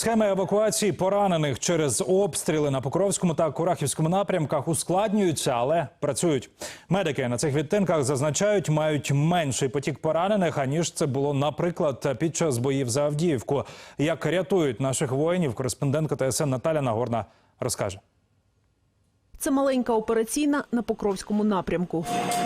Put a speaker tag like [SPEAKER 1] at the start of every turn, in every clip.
[SPEAKER 1] Схеми евакуації поранених через обстріли на Покровському та Курахівському напрямках ускладнюються, але працюють. Медики на цих відтинках зазначають, мають менший потік поранених, аніж це було, наприклад, під час боїв за Авдіївку. Як рятують наших воїнів, кореспондентка ТСН Наталя Нагорна розкаже.
[SPEAKER 2] Це маленька операційна на Покровському напрямку.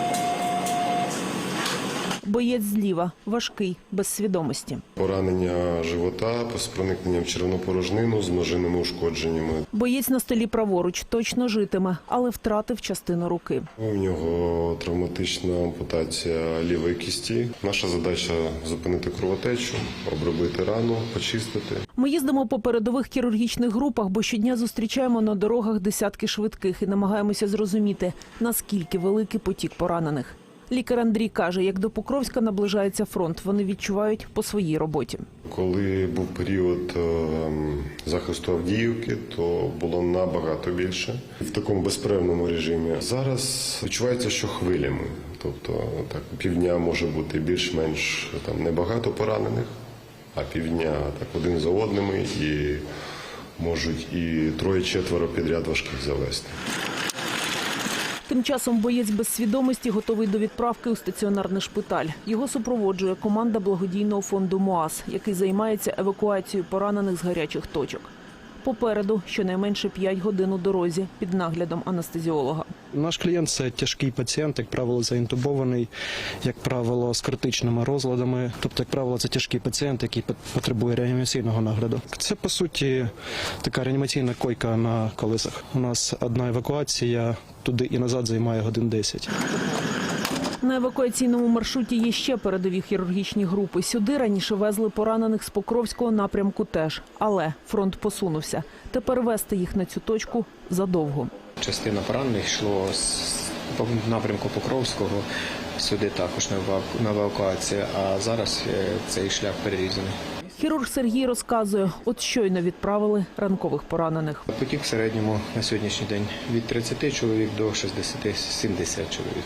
[SPEAKER 2] Боєць зліва, важкий, без свідомості.
[SPEAKER 3] Поранення живота з проникненням в черевну порожнину з множинними ушкодженнями.
[SPEAKER 2] Боєць на столі праворуч точно житиме, але втратив частину руки.
[SPEAKER 3] У нього травматична ампутація лівої кісті. Наша задача – зупинити кровотечу, обробити рану, почистити.
[SPEAKER 2] Ми їздимо по передових хірургічних групах, бо щодня зустрічаємо на дорогах десятки швидких і намагаємося зрозуміти, наскільки великий потік поранених. Лікар Андрій каже, як до Покровська наближається фронт, вони відчувають по своїй роботі.
[SPEAKER 3] Коли був період захисту Авдіївки, то було набагато більше. В такому безперервному режимі. Зараз відчувається, що хвилями. Тобто так, півдня може бути більш-менш небагато поранених, а півдня так один за одними і можуть і троє-четверо підряд важких завести.
[SPEAKER 2] Тим часом боєць без свідомості готовий до відправки у стаціонарний шпиталь. Його супроводжує команда благодійного фонду МОАС, який займається евакуацією поранених з гарячих точок. Попереду щонайменше 5 годин у дорозі під наглядом анестезіолога.
[SPEAKER 4] Наш клієнт – це тяжкий пацієнт, як правило, заінтубований, як правило, з критичними розладами. Тобто, як правило, це тяжкий пацієнт, який потребує реанімаційного нагляду. Це, по суті, така реанімаційна койка на колесах. У нас одна евакуація туди і назад займає годин 10.
[SPEAKER 2] На евакуаційному маршруті є ще передові хірургічні групи. Сюди раніше везли поранених з Покровського напрямку теж. Але фронт посунувся. Тепер везти їх на цю точку задовго.
[SPEAKER 5] Частина поранених йшло з напрямку Покровського, сюди також на евакуацію, а зараз цей шлях перерізаний.
[SPEAKER 2] Хірург Сергій розказує, от щойно відправили ранкових поранених.
[SPEAKER 5] Потік в середньому на сьогоднішній день від 30 чоловік до 60-70 чоловік.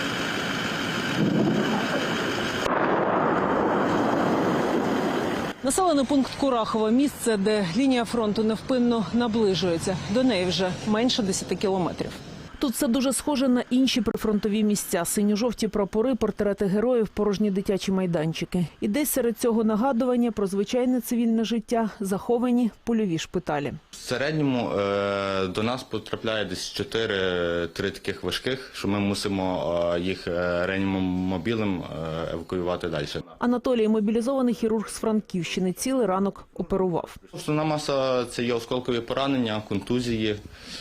[SPEAKER 2] Населений пункт Курахова – місце, де лінія фронту невпинно наближується. До неї вже менше 10 кілометрів. Тут все дуже схоже на інші прифронтові місця. Синьо-жовті прапори, портрети героїв, порожні дитячі майданчики. І десь серед цього нагадування про звичайне цивільне життя заховані польові шпиталі.
[SPEAKER 6] В середньому до нас потрапляє десь 4 таких важких, що ми мусимо їх реанімобілем евакуювати далі.
[SPEAKER 2] Анатолій – мобілізований хірург з Франківщини. Цілий ранок оперував.
[SPEAKER 6] Основна маса – це є осколкові поранення, контузії,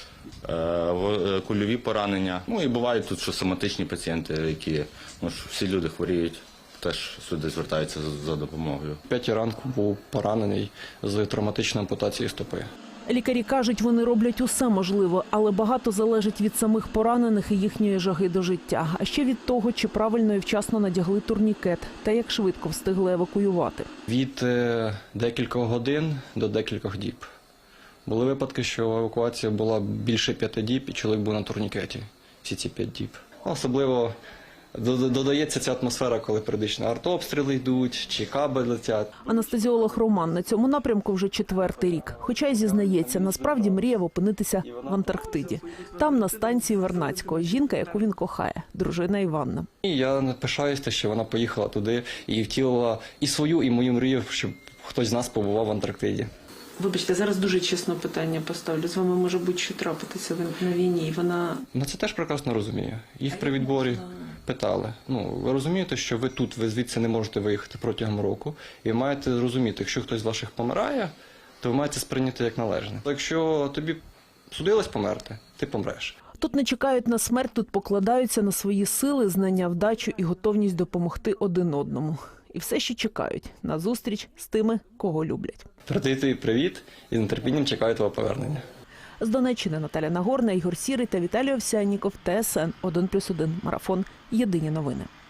[SPEAKER 6] кульові поранення. Ну і бувають тут, що соматичні пацієнти, які, всі люди хворіють, теж сюди звертаються за допомогою.
[SPEAKER 4] 5 ранку був поранений з травматичною ампутацією стопи.
[SPEAKER 2] Лікарі кажуть, вони роблять усе можливе, але багато залежить від самих поранених і їхньої жаги до життя. А ще від того, чи правильно і вчасно надягли турнікет, та як швидко встигли евакуювати.
[SPEAKER 4] Від декількох годин до декількох діб. Були випадки, що евакуація була більше 5 діб, і чоловік був на турнікеті всі ці 5 діб. Особливо додається ця атмосфера, коли періодично артобстріли йдуть, чи каби летять.
[SPEAKER 2] Анестезіолог Роман на цьому напрямку вже 4-й рік. Хоча й зізнається, насправді мріяв опинитися в Антарктиді. Там, на станції Вернадського, жінка, яку він кохає, дружина Іванна.
[SPEAKER 4] І я пишаюся, що вона поїхала туди і втілила і свою, і мою мрію, щоб хтось з нас побував в Антарктиді.
[SPEAKER 7] Вибачте, зараз дуже чесне питання поставлю. З вами може будь-що трапитися на війні, і вона...
[SPEAKER 4] Це теж прекрасно розумію. Їх при відборі питали. Ви розумієте, що ви тут, ви звідси не можете виїхати протягом року, і ви маєте розуміти, якщо хтось з ваших помирає, то ви маєте сприйняти як належне. Якщо тобі судилось померти, ти помреш.
[SPEAKER 2] Тут не чекають на смерть, тут покладаються на свої сили, знання, вдачу і готовність допомогти один одному. І все ще чекають на зустріч з тими, кого люблять.
[SPEAKER 4] Передаю привіт і з нетерпінням чекаю твого повернення.
[SPEAKER 2] З Донеччини Наталя Нагорна, Ігор Сірий та Віталій Овсянніков, ТСН 1+1 Марафон. Єдині новини.